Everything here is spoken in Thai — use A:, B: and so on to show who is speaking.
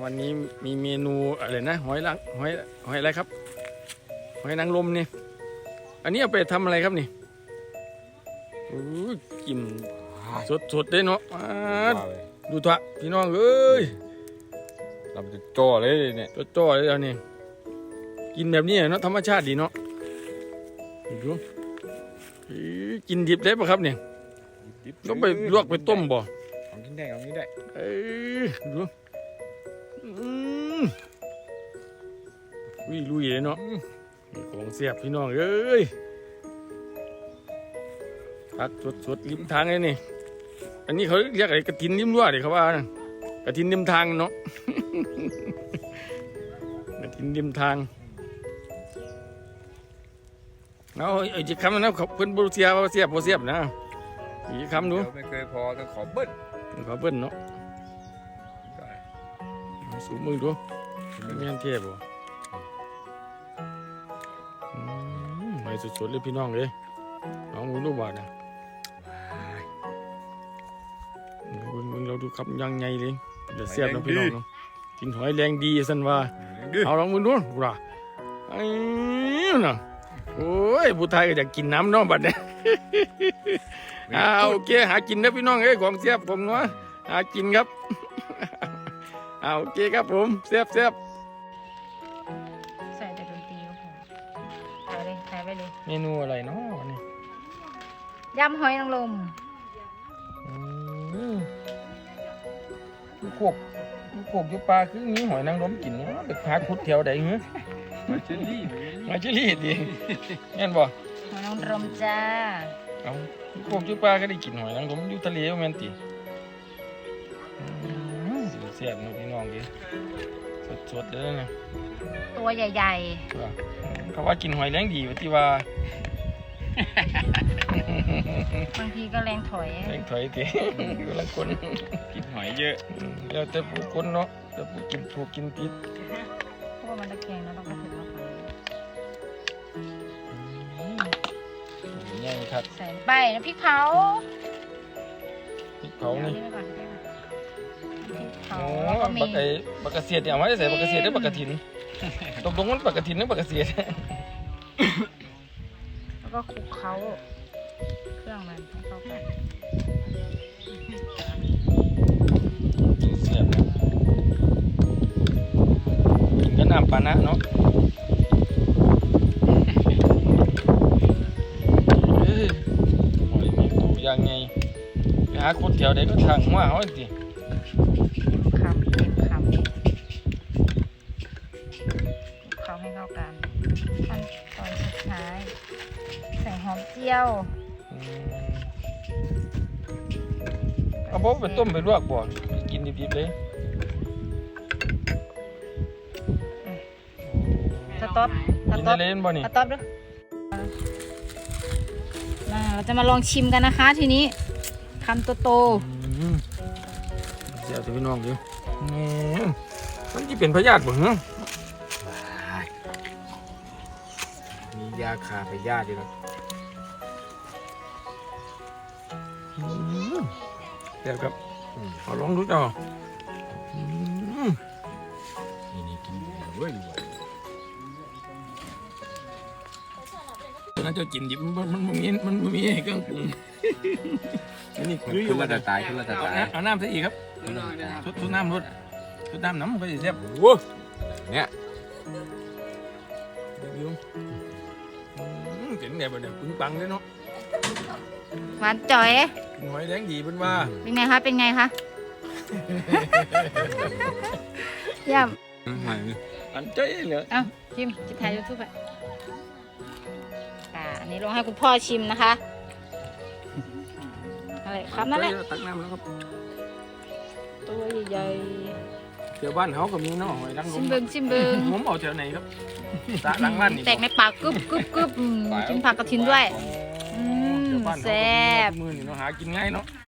A: วันนี้มีเมนูอะไรนะหอยอะไรครับหอยนางรมนี่อันนี้เอาไปทำอะไรครับนี่กลิ่นสดได้เนาะดูเถอะพี่น้องเอ้ย
B: เราจะจ่อเลยเนี่ย
A: จ่อเลยอันนี้กินแบบนี้เนาะธรรมชาติดีเนาะดูกินดิบได้ปะครับเนี่ยต้องไปลวกไปต้มบ่
B: ของกินได้ของกินได้
A: ดูลุยเลยเนาะของเสียบพี่น้องเอ้ยผักสดริมทางเลยนี่อันนี้เขาเรียกอะไรกระถินริมรั้วเดี๋ยวเขาว่ากระถินริมทางเนาะกระถินริมทางเอาไอ้จีคำนะเพิ่นบรูเซียเสียบนะจีคำดู
B: ไม่เคยพอต้องขอเบิ้ล
A: เนาะสูบมือดูไม่งั้นเทียบบ่ไม่สดๆเลยพี่น้องเลยน้องรู้ว่านะมึงเราดูครับยังไงเลยเดี๋ยวเสียบนะพี่น้องกินหอยแรงดีสันว่าเอาลองมึงดูว่าไอ้น่ะโอ้ยผู้ไทยก็อยากกินน้ำน้องบัดเนี่ยโอเคหากินนะพี่น้องเอ้ยของเสียบผมเนาะหากินครับโอเคครับผมเสียบ
C: ใส่แต่ดนตรีก็พอใส่ไปเลย
A: เมนูอะไรเนาะนี่
C: ยำหอยนางรม
A: โขกอยู่ปลาคือมีหอยนางรมกินเนาะไปหาขุดแถวใดเหรอมาเชอรี่ดิแม่นบ่
C: หอยนางรมจ้า
A: เอาโขกอยู่ปลาก็ได้กินหอยนางรมอยู่ทะเลแม่นติเสียบๆพี่น้องดิสดๆเลยนะ
C: ตัวใหญ่
A: ๆเขาว่ากินหอยแรงดีว่าที่ว่า
C: บางทีก็แรงถอย
A: ทีกำลังคน
B: กินหอยเยอะ
A: แล้วแต่ผู้คนเนาะแต่ผู้กินถูกกินติด
C: เพราะว่ามันตะแคงแล้วต้องกระถึงมา
A: ใหญ่ครับ
C: ใส่ไปนะพริกเผา
A: นี่
C: เผาก็มี
A: บักกระเสียดเนี่ยเอาไว้ใส่บักกระเสียดได้บักกระถินตรงมันบักกระถินหรือบักกระเสียด
C: แล้วก็คลุกเคล้าเครื่องมันให้เข้ากัน
A: เสียบกินกับน้ำปานะเนาะหอยมีตัวยังไงหาคนแถวใดก็ทางว่าเขาสิ
C: คำเต็มคำเขาให้เข้ากันขั้นตอนสุดท้ายใส่หอมเจียว
A: เอาบ่ไปต้มไปลวกบ่กินดิบๆเลย
C: สต๊อป
A: เล่นบ่นี่
C: สต๊อปด้วยเราจะมาลองชิมกันนะคะทีนี้คำโต
A: เดี๋ยวจะพี่น้องดูมันจะเป็นพยาธิบ่เหรอ
B: มียาคาพยาธิด้วยนะ
A: เดี๋ยวครับเอาลองดูจ้า
B: นี่กินเว้ย
A: น่าจะกินดิบมันมีเครื่องปรุงนี่คือ
B: ขึ้นมาแต่ตาย
A: เอาน้ำใส่อีกครับทุกน้ำน้ำก็จะแซ่บ
B: เนี่ย
A: เจ๋งเนี่ยแบบนี้ปึ้งปังเลยเนาะ
C: หวานจ่อย
A: หอยแดงดีเป็นว่า
C: เป็นไงคะเยี่ยม
A: อันใจเหรอ
C: เอาชิมจะถ่ายยูทูบอ่ะอันนี้ลองให้คุณพ่อชิมนะคะอะไรครับนั่นแหละ
A: ตักน้ำแล้วครับ
C: ตัวใหญ่
A: เดี๋ยวบ้านเขาก็มีเนาะหอยนางรม
C: ชิมเบิ้ง
A: ผมเอาแถวไหนครับหลังบ้านนี่
C: แตกในปากกึบกินผักกระถินด้วยแซ่บ
A: มือนี่เนาะหากินง่ายเนาะ